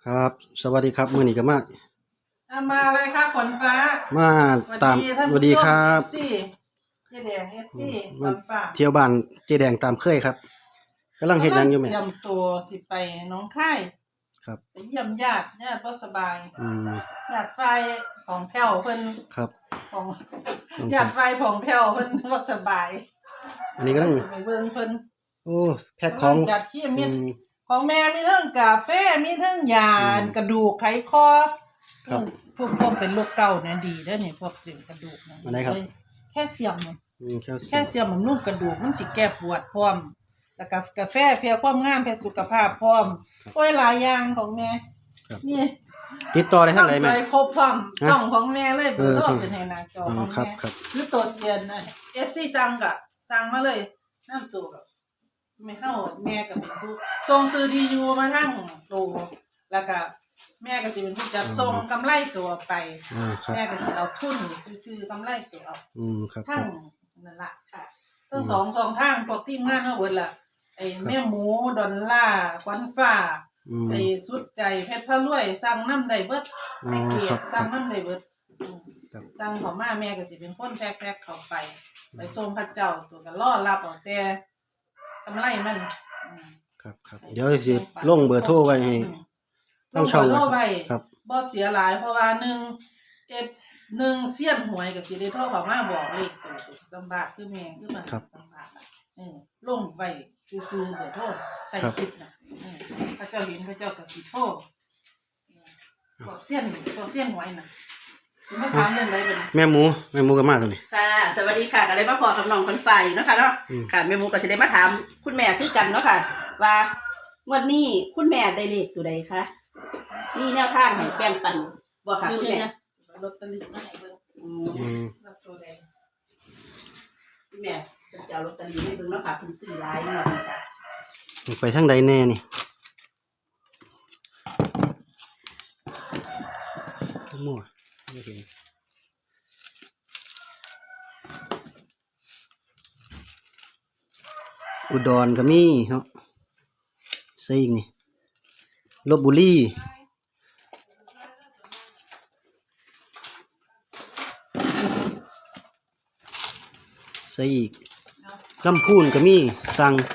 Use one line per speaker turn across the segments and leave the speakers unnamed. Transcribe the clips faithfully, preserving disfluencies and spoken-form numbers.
ครับสวัสดีครับมื้อนี้ก็มา
อ่ะมาเลยครับฝนฟ้า
มาตามสวัสดีครับ
สิเจ๊แดงเอฟซีฝ
มาน
ฟ้า
เที่ยวบ้านเจ๊แดงตามเคยครับกำลังเฮ็ดหยังอยู่แม่
เตรียมตัวสิไปหน้องค่าย
ครับ
ไปเยี่ยมญาติญาติบ่สบาย
อืม
ญาติไฟของแผ่วเพิ่น
ครับ
ของญาติไฟของแผ่วเพิ่นบ่สบาย
อันนี้กำลัง
ไปเบิ่งเพิ่น
โอ้แพ็คของ
จัดที่มี
อืม
ของแม่มีเรื่องกาแฟมีเรื่องยา
อืม
กระดูกไขคอ
ครับ
พวกพวกเป็นโรคเก่าเนี่ยดีเด้อนี่พวกเรื่องกระดูกนะ
อันไหนครับ
แค่เสียมมัน
อืมแคลเซี
แค่
ยม
เสียมบำรุงกระดูกมันสิแก้ปวดพร้อมแล้วก็กาแฟเพื่อความงามเพื่อสุขภาพพร้อมโอ้ยหลายอย่างของแม่
ครับ
นี่
ติดต่อได้ทางไหน
ใส่
แม่
ครบพร้อม
ฮะ
ช่องของแม่เลย
เอ
เบอ
อ
ร์โท
ช่
ร
อง
เป็นให้หน้าจอ
อ๋อ
ของ
ครับ
แม่
ครับ
หรือตัวเซียนน่ะ เอฟ ซี สั่งก็สั่งมาเลยน้ำตัวกับไม่เฮาแม่ก็เป็นผู้ส่งซื้อที่อยู่มาทั้งโตแล้วก็แม่ก็สิเป็นผู้จัดส่งกำไรตัวไป
อ่าครับ
แม่ก็สิเอาทุนซื้อกำไรตัวเอา
อืมครับค
ทั้
รั
ง
บ
นั่นล่ะค่ะทั้งสองสองทางพวกทีมงานเฮาเบิดล่ะไอ้แม่หมูดอลล่าขวัญฟ้า
อืม
ไอ้สุดใจเพชรพระรวยสั่งน้ำได้เบิด
อ๋อ
ให้เกีย
ครั
ร
บ
ติสั่งน้ำได้เบิดอืม
ครับ
สั่งเขามาแม่ก็สิเป็นคนแพ็คๆเข้าไป ไปส่งพระเจ้าตัวก็รอรับเอาแต่กำไรมันอืม
ครับครับเดี๋ยวสิลงเบอร์โทรไว้ให้
ลงเบอร์โทรไว้
ครับ
บ่เสียหลายเพราะว่าหนึ่ง F หนึ่งเสี้ยนหวยก็สิได้โทรเข้ามาบอกเลขตัวตัวสำบากคือแม่คือมันสำบากอะเออลงไว้ซื่อๆเบอร์โทรใต้คลิปน่ะเออพระเจ้าเห็นพระเจ้าก็สิโทรบอกเสี้ยนบอกเสี้ยนหวยน่ะสิมาถามเรื่องใดเป็น
แม่หมูแม่หมูก็มาตรงนี้
ค่ะสวัสดีค่ะก็ได้มาพอกับน้องคนไฟเนาะค่ะเนาะ
อืม
ค่ะแม่หมูก็จะได้มาถามคุณแม่คือกันเนาะค่ะ ว่าวันนี้คุณแม่ได้เลขตัวใดคะนี่แนวทางให้แบ่งปันบ่ค่ะคุณแม่
ลอตเตอรี่มาให้เบิ่ง
อื
อื
ม
ม
รับตัวใด
คุณแม่เป็นเจ้าลอตเตอรี่ให้เบิ่งเนาะค่ะคุณซื้อหลายเนาะค่ะ
ไปทางใดแน่นี่มั่วไม่เห็นอุดรก็มีเนาะใส่อีกนี่ลพบุรีใส่อีกลำพูนก็มีสั่ง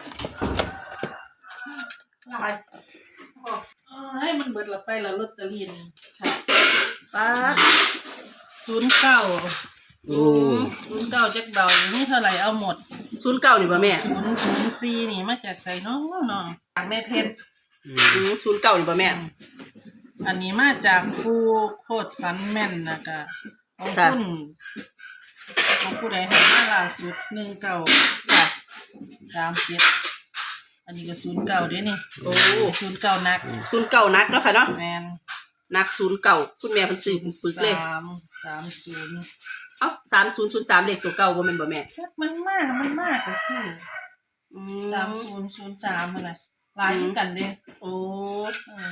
ลายบอกเออให้มันเบิดละไปละลอตเตอรี่นี่
ค่ะป้า
ศูนย์เก้า
โอ้
ศูนย์เก้าจักเบานี่เท่าไหร่เอาหมด
ศูนย์เก้านี่บ่แม่
ศูนย์ศูนย์สี่นี่มาจากใส่น้องน้องจากแม่เพชร
อื
อื
ม
มศูนย์เก้านี่บ่แม่
อันนี้มาจากผู้โคตรฟันแม่นนะกะของคุณของผู้ใดให้มาล่าสุดหนึ่งเก้า
ค่ะ
สามเจ็ดอันนี้ก็ศูนย์เก้าเด้นี่
โอ้
ศูนย์เก้านัก
ศูนย์เก้านักเนาะค่ะเนาะ
แมน
นักศูนย์เก้าคุณแม่เพิ่นซื้อเป็นปึกเลย
สามสามศูนย์
เอ้าสามศูนย์ศูนย์สามเลขตัวเก่าบ่แม่นบ่แม่
มันมากมันมากก็สิ
อื
สาม
ม
ศูนย์ศูนย์สามอะไรหลายคือกันเด้
โอ้
เออ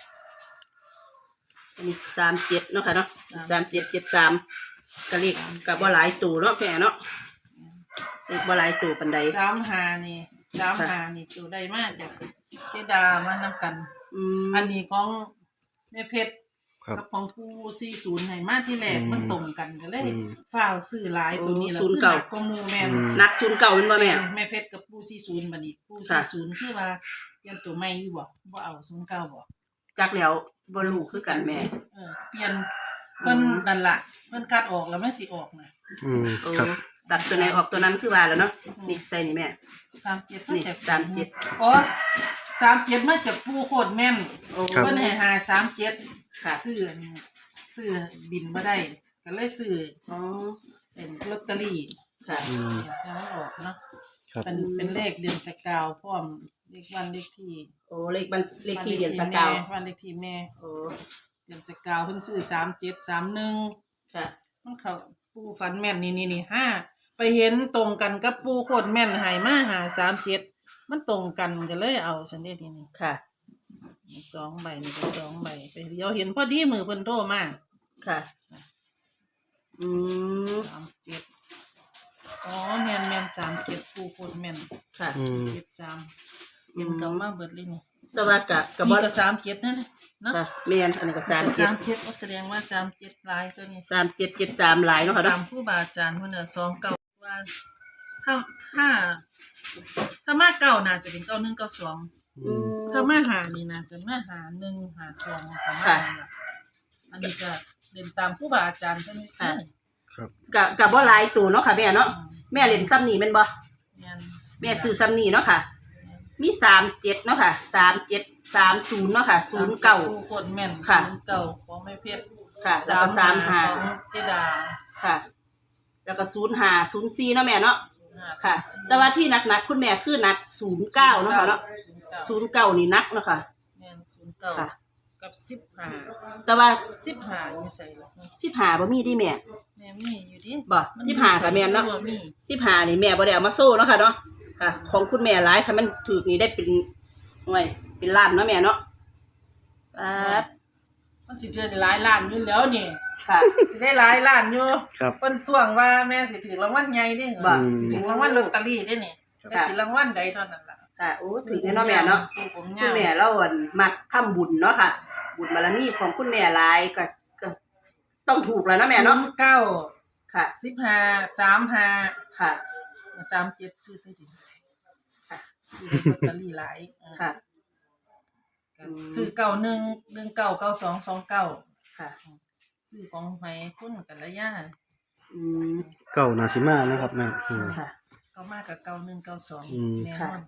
อันนี้สามเจ็ดเนาะค่ะเนาะ
สา
สาม มเจ็ดเจ็ดสามกะเลขกับว่าหลายตัวเนาะแค่เนาะเลขว่าหลายตัวปันใด
สามหานี่สามหานี่ตัวได้มากจากเจดามานํกัน
อืม
อันนี้ของแม่เพชร
ครับ
กับของผู้สี่ศูนย์ให้มาที่แรก
อืม
มันตรงกันก็เลย
อืม
ฝ้าวซื้อหลายตัวนี้แล้ว
ศูนย์
คือ
เก้า
หนักกว่าหมู่แม่น
อืม
นักศูนย์เก่าเป็นบ่แม่
แม่เพชรกับผู้สี่ศูนย์บัดนี้ผู้
ค่ะ
สี่ศูนย์คือว่าเปลี่ยนตัวใหม่อยู่บ่บ่เอาศูนย์เก้าบ่
จักแล้วบ่รู้คือกันแม่
เออเปลี่ยนเพิ่น
อืม
นั่นล่ะเพิ่นคัดออกแล้วมันสิออกน่ะ
อืม
โอ้
ครับ
ตัดตัวไหนออกตัวนั้นคือว่าแล้วเนาะนี่ใส่นี่แม่
สามเจ็ด
นี่
จาก
สามเจ็ด
อ๋อสามเจ็ดมาจากผู้โคตรแม่น
โอ้
ครับ
เพิ่นให้หาสามเจ็ด
ค่ะ
ซื้ออันนี้ซื้อบินบ่ได้ก็เลยซื้อ
อ๋อ
เป็นลอตเตอรี่
ค่ะ
อืม
แล้วมันออกเนาะ
ครับ
เป็นเป็นเลขเดือนสกาวพร้อมเลขวันเลขที่
โอ้เลขบัญเลขที่เรียนสกาว
แม่วันเลขที่แม่
โอ้
เดือนสกาวเพิ่นซื้อสามเจ็ดสามหนึ่ง
ค่ะ
มันเขาปูฟันแม่นนี่นี่นี่ห้าไปเห็นตรงกันกับปูโคตรแม่นใหายมาหาสามเจ็ดมันตรงกันก็เลยเอาฉันได้ทีนี้
ค่ะ
สองใบนี่ก็สองใบไปเดียวเห็นพอดีมือเพิ่นโทรมา
ค่ะ อืม
สามเจ็ดอ๋อแม่นแม่นสามเจ็ดปูโคตรแม่น
ค่ะ
อืม
เจ็ดสามเห็นกลับมาเบิดเลยนี่
แต่ว่ากะกะ
นี่
บ่
ก็สามเจ็ดนั่นแหละเนาะ
ค่ะแม่นอันนี้ก็สามเจ็ด
สามเจ็ดก็แสดงว่าสามเจ็ดลายตัวนี้
สามเจ็ดเจ็ดสามหลายเนาะค่ะ
ตา
เนาะ
มผู้บาอาจารย์เพิ่นน่ะสองเก้าว่าถ้าถ้าถ้ามาเก้าน่าจะเป็นเก้าหนึ่งเก้าสอง
อืม
ถ้ามาหานี่น่าจะมาหาหนึ่งหาสองประมาณนั้นล่ะอันนี้ก็เล่นตามผู้บาอาจารย์เพิ่นนี่ซื่อ
ครับ
กะกะบ่หลายตัวเนาะค่ะแม่เนาะแม่เล่นซ้ำนี่แม่นบ่
แม่น
แม่ซื้อซ้ำนี่เนาะค่ะ มีสามเจ็ดเนาะค่ะสามเจ็ดสามศูนย์เนาะค่ะศูนย์เก้า
ผู้คนแม่น
ค่ะ
ศูนย์เก้าของแม่เพชร
ค่ะแล้วก็สามห้า
ของเจดา
ค่ะ แล้วก็ศูนย์ห้าศูนย์สี่เนาะแม่เนาะ
ศูนย์ห้า
ค่ะ แต่ว่าที่หนักๆคุณแม่คือหนักศูนย์เก้าเนาะค่ะเนาะ
ศูนย์เก้า
ศูนย์เก้านี่หนักเนาะค่ะ
แม่นศูนย์เก้า
ค่ะ
กับสิบห้า
แต่ว่า
สิบห้าอยู่ใส่ล่ะ
สิบห้าบ่มีดิแม่
แม่มีอยู่ดิ
บ่สิบห้าค่ะแม่นเนาะ
บ่มี
สิบห้านี่แม่บ่ได้เอามาโซ่เนาะค่ะเนาะค่ะ ของคุณแม่หลายค่ะมันถูกนี่ได้เป็นหน่วยเป็นล้านเนาะแม่เนาะป๊าด
มันสิเจอได้หลายล้านอยู่แล้วนี่
ค่ะ
สิได้หลายล้านอยู่
ครับ
เพิ่นทวงว่าแม่สิถือรางวัลใหญ่เด้
บ่
สิถือรางวัลลอตเตอรี่เด้นี่
ค่ะ
แต่สิรางวัลใดเท่านั้นล่ะ
ค่ะโอ้ถึงแน่เนาะแม่เนาะ
ผู้ผม
คุ
ยา
ณ
ว
แม่เราอั่นมักทำบุญเนาะค่ะ บุญบารมีของคุณแม่หลายก็ก็ต้องถูกแล้วเนาะแม่เนาะ
ศูย์เก้า
ค่ะ
สิบห้า สามห้า
ค่ะ
สามเจ็ดซื้อได้ดิ
ค่ะ
ซื้อลอตเตอรี่หลายเออ
ค่ะ
ก็ซื้อเก้าหนึ่ง หนึ่งเก้า เก้าสอง สองเก้า
ค่ะ
ซื้อของไผคุณกัลยา
อืม
เก่านาซิมานะครับแม่อืม
ค่ะ
ก็มากับเก้าหนึ่ง เก้าสอง
อืม
แน่น
ค่ะ
อน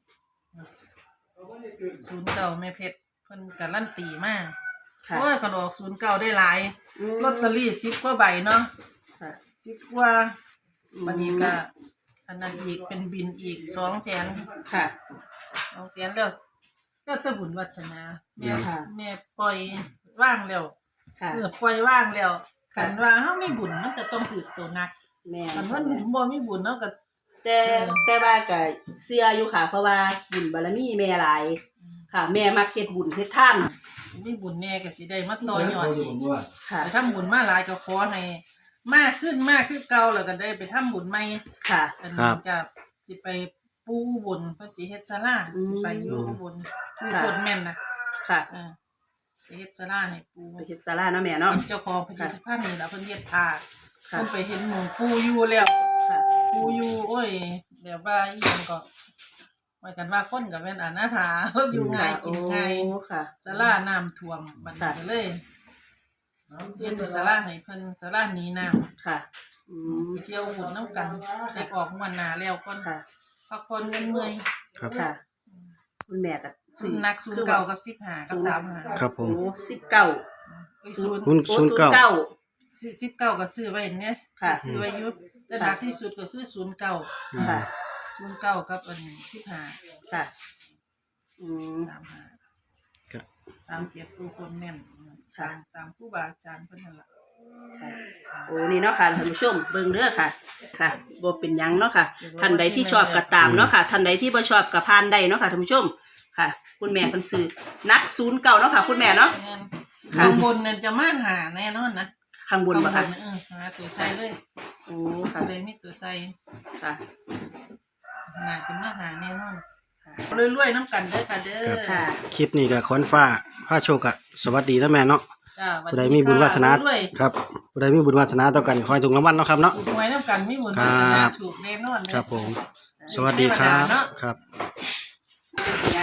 ศูนย์เก้าแม่เพชรเพิ่นการันตีมาก
ค่ะ
โอ้ยคนออกศูนย์เก้าได้หลาย
อืม
ลอตเตอรี่สิบกว่าใบเนาะ
ค่ะ
สิบกว่า
อืม
วันนี้ก็อันนั้นอีกเป็นบินอีกสองแสน
ค่ะ
สองแสนแล้วแล้วแต่บุญวัฒนาแม่
ค่ะ
แม่ปล่อยว่างแล้ว
ค่ะ
เออปล่อยว่างแล้ว
ค่ะ
คันว่าเฮามีบุญมันจะต้องถือตัวหนัก
แม่
คันว่าบ่มีบุญเนาะก็
แต่แต่ว่าก็เชื่ออยู่ค่ะ เพราะว่าบุญบารมีแม่หลาย ค่ะ แม่มักเฮ็ดบุญเฮ็ดทาน
มีบุญแน่ก็สิได้มาต่อยอดอีก
ค่ะ
ไปทำบุญมาหลายก็ขอให้มากขึ้นมากขึ้นเก่าแล้วก็ได้ไปทำบุญใหม่
ค่ะ
อัน
ครั
นี้
บ
จะสิไปปูบุญเพิ่นสิเฮ็ดศาลา
อืม
สิไปอยู่บุญปู
ค่ะ
บุญแม่นนะ
ค่ะ
เออไปเฮ็ดศาลาให้ปู
ไปเฮ็ดศาลาเนาะแม่เนาะ
เจ้าของพิพิธภัณฑ์นี่ล่ะเพิ่นเฮ็ดทา
ค่ะ
เพิ่นไปเห็นหมู่ปูอยู่แล้ว
ค่ะ
ปูอยู่โอ้ยแบบว่าอีหยังก็หมายกันว่าคนก็แม่นอนาถา อยู่ง่ายกินง่าย
โอ้ค่ะ
ศาลาน้ำท่วมบัดนี้ก็เลยเฮ็ดศาลาให้เพิ่นศาลาหนีน้ำ
ค่ะ อืม
เที่ยวบุญน้ำกันได้ออกมวนหนาแล้วก่อน
ค่ะ
พักผ่อนเงินเมื่อย
ครับ
ค่ะ คุณแม่ก็
ศูนย์นักศูนย์เก่ากับสิบห้ากับสามห้า
ครับผม
โอ้สิบเก้า
ไอ้ศูนย์
คุณ
โอ้
ศูนย์เก้า
เก้า
สิบเก้าก็ซื้อไว้เนี่ย
ค่ะ
ซื้อไว้อยุบแต่หนักที่สุดก็คือศูนย์เก้า
ค่ะ
ศูนย์เก้ากับอันสิบห้า
ค่ะ อืม
สามห้า
ครับ
สามเจ็ดผู้คนแน่น
ค่ะ
ตามตามผู้บาอาจารย์เพิ่นนั่นล่ะ
ค่ะ โอ้นี่เนาะค่ะท่านผู้ชมเบิ่งเด้อค่ะ ค่ะบ่เป็นหยังเนาะค่ะ ท่านใดที่ชอบก็ตามเนาะค่ะ ท่านใดที่บ่ชอบก็ผ่านได้เนาะค่ะท่านผู้ชม ค่ะ คุณแม่เพิ่นซื้อนักศูนย์เก้าเนาะค่ะ คุณแม่เนาะ
แม่น
ค่ะ
ข้างบนนั่นจะมาหาแน่นอนนะ
ข้างบนบ่
ข้า
ค่ะ
งบนน่ะเออหาตัวใส่เลย
โอ้ค่ะ
เลยมีตัวใส่
ค่ะ
น่าจะมาหาแน่นอนเรื่อยๆน้ำกันเด้อค่ะเด้อ
ค่ะ
คลิปนี้ก็ขอนฟ้าผ้าโชคอะสวัสดีนะแม่เนาะ
จ้าสวัส
ผู้ใด
ดี
มีบุญวาสนา
ค่ะด้วย
ครับผู้ใดมีบุญวาสนาต่อกันขอให้ถูกรางวัลเนาะครับเนาะ
ถูกหวยน้ำกันไม่บุญ
ครั
วา
บ
สนาถูกแน่นอนเลย
ครับผม สวัสดีครับ
เทวดาเนาะ
ครับ
เนี่ย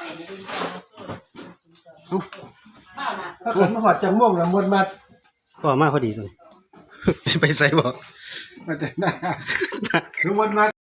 เอ้า
ถ้าขันมาหอดจังม่วงละมดมา
ก็มาพอดีตรงนี้ ไปใส่บ่
มาแต่หน้าคือมดมา